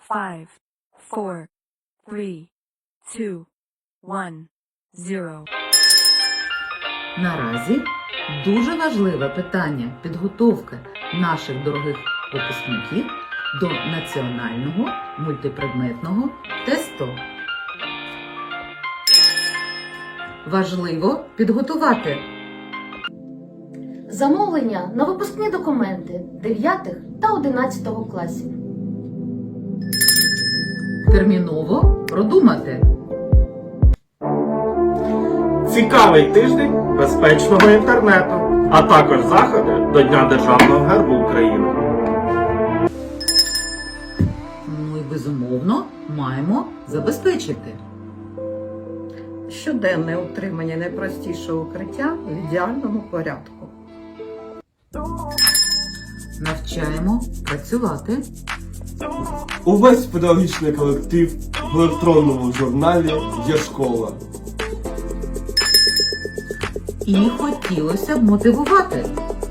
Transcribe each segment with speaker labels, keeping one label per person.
Speaker 1: 5, 4, 3, 2, 1, 0.
Speaker 2: Наразі дуже важливе питання підготовки наших дорогих випускників до національного мультипредметного тесту. Важливо підготувати
Speaker 3: Замовлення на випускні документи 9 та 11 класів.
Speaker 2: терміново продумати
Speaker 4: Цікавий тиждень безпечного інтернету, а також заходи до Дня Державного гербу України.
Speaker 2: Ну і безумовно маємо забезпечити
Speaker 5: Щоденне утримання найпростішого укриття в ідеальному порядку.
Speaker 2: навчаємо працювати
Speaker 6: Увесь педагогічний колектив в електронному журналі «Є школа».
Speaker 2: і хотілося б мотивувати.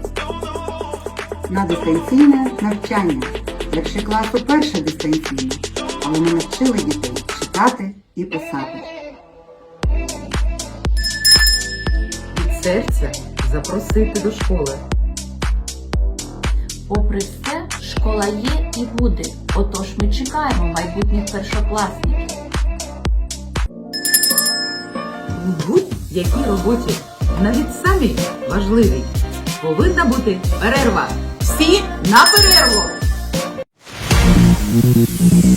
Speaker 7: На дистанційне навчання. Перший клас уперше дистанційно, але ми навчили дітей читати і писати.
Speaker 2: Від серця запросити до школи.
Speaker 3: Попри все, школа є і буде, отож ми чекаємо майбутніх першокласників.
Speaker 2: У будь-якій роботі, навіть самій важливій, повинна бути перерва. Всі на перерву!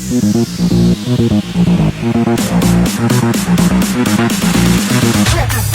Speaker 7: Це